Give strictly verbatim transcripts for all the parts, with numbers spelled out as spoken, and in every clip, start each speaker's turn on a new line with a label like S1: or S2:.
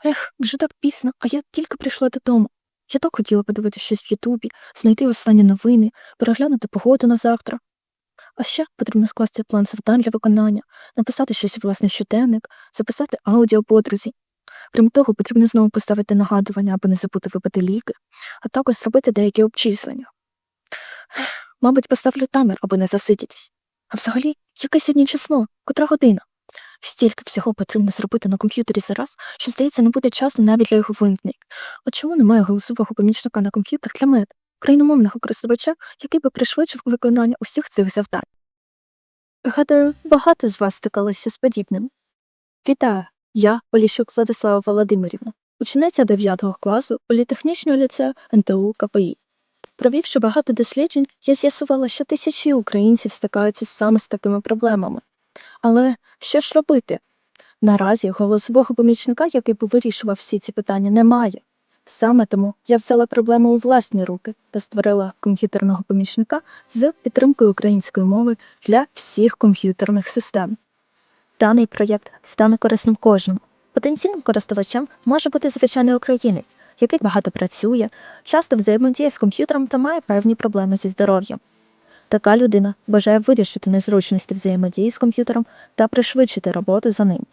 S1: Ех, вже так пізно, а я тільки прийшла додому. Я так хотіла подивитися щось в Ютубі, знайти останні новини, переглянути погоду на завтра. А ще потрібно скласти план завдань для виконання, написати щось у власний щоденник, записати аудіо подрузі. Крім того, потрібно знову поставити нагадування, аби не забути випити ліки, а також зробити деякі обчислення. Ех, мабуть, поставлю таймер, аби не засидітись. А взагалі, яке сьогодні число? Котра година? Стільки всього потрібно зробити на комп'ютері зараз, що, здається, не буде часу навіть для його вимкнень. От чому немає голосового помічника на комп'ютер для мене, україномовного користувача, який би пришвидшив виконання усіх цих завдань?
S2: Гадаю, багато з вас стикалося з подібним. Вітаю, я Поліщук Владислава Володимирівна, учениця дев'ятого класу політехнічного ліцею ен те у ка пе і. Провівши багато досліджень, я з'ясувала, що тисячі українців стикаються саме з такими проблемами. Але що ж робити? Наразі голосового помічника, який би вирішував всі ці питання, немає. Саме тому я взяла проблему у власні руки та створила комп'ютерного помічника з підтримкою української мови для всіх комп'ютерних систем. Даний проєкт стане корисним кожному. Потенційним користувачем може бути звичайний українець, який багато працює, часто взаємодіє з комп'ютером та має певні проблеми зі здоров'ям. Така людина бажає вирішити незручності взаємодії з комп'ютером та пришвидшити роботу за ним.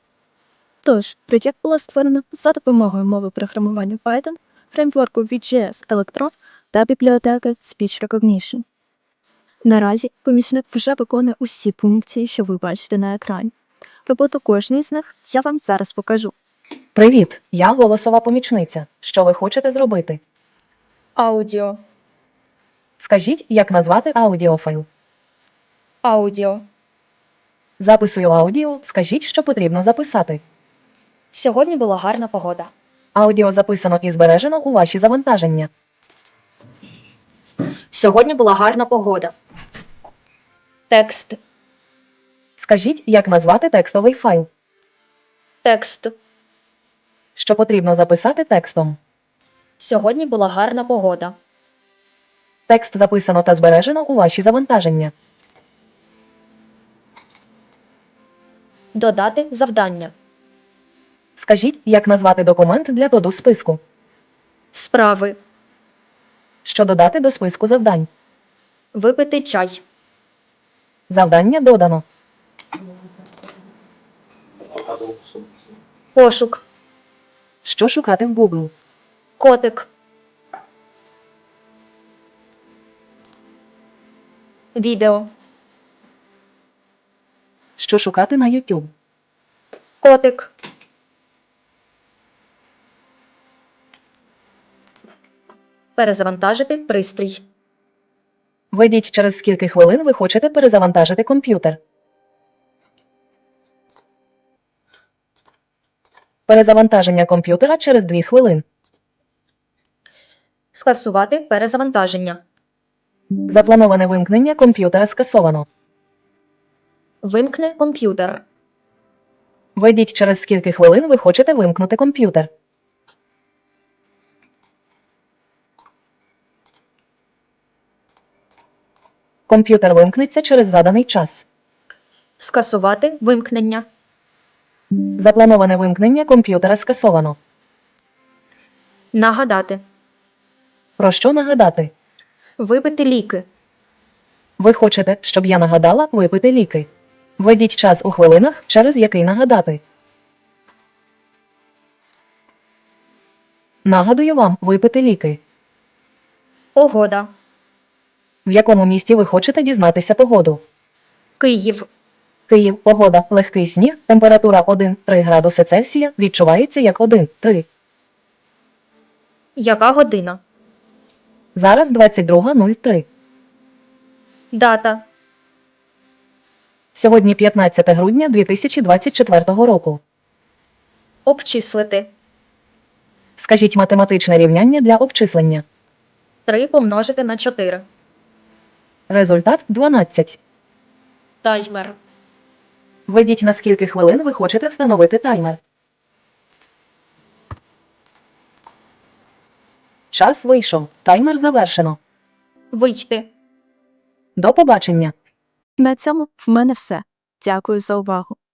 S2: Тож, проєкт було створено за допомогою мови програмування Python, фреймворку ві джі ес Electron та бібліотеки Speech Recognition. Наразі помічник вже виконує усі функції, що ви бачите на екрані. Роботу кожної з них я вам зараз покажу.
S3: Привіт, я голосова помічниця. Що ви хочете зробити?
S4: Аудіо.
S3: Скажіть, як назвати аудіофайл.
S4: Аудіо.
S3: Записую аудіо, скажіть, що потрібно записати.
S4: Сьогодні була гарна погода.
S3: Аудіо записано і збережено у ваші завантаження.
S4: Сьогодні була гарна погода. Текст.
S3: Скажіть, як назвати текстовий файл.
S4: Текст.
S3: Що потрібно записати текстом.
S4: Сьогодні була гарна погода.
S3: Текст записано та збережено у ваші завантаження.
S4: Додати завдання.
S3: Скажіть, як назвати документ для доду списку.
S4: Справи.
S3: Що додати до списку завдань.
S4: Випити чай.
S3: Завдання додано.
S4: Пошук.
S3: Що шукати в Google.
S4: Котик. Відео.
S3: Що шукати на YouTube.
S4: Котик. Перезавантажити пристрій.
S3: Введіть, через скільки хвилин ви хочете перезавантажити комп'ютер. Перезавантаження комп'ютера через дві хвилини.
S4: Скасувати перезавантаження.
S3: Заплановане вимкнення комп'ютера скасовано.
S4: Вимкни комп'ютер.
S3: Введіть, через скільки хвилин ви хочете вимкнути комп'ютер. Комп'ютер вимкнеться через заданий час.
S4: Скасувати вимкнення.
S3: Заплановане вимкнення комп'ютера скасовано.
S4: Нагадати.
S3: Про що нагадати?
S4: Випити ліки.
S3: Ви хочете, щоб я нагадала випити ліки. Введіть час у хвилинах, через який нагадати. Нагадую вам випити ліки.
S4: Погода.
S3: В якому місті ви хочете дізнатися погоду?
S4: Київ.
S3: Київ, погода, легкий сніг, температура один-три градуси Цельсія, відчувається як один-три.
S4: Яка година?
S3: Зараз двадцять друга нуль три.
S4: Дата.
S3: Сьогодні п'ятнадцяте грудня дві тисячі двадцять четвертого року.
S4: Обчислити.
S3: Скажіть математичне рівняння для обчислення.
S4: три помножити на чотири.
S3: Результат дванадцять.
S4: Таймер.
S3: Введіть, на скільки хвилин ви хочете встановити таймер. Час вийшов. Таймер завершено.
S4: Вийти.
S3: До побачення.
S2: На цьому в мене все. Дякую за увагу.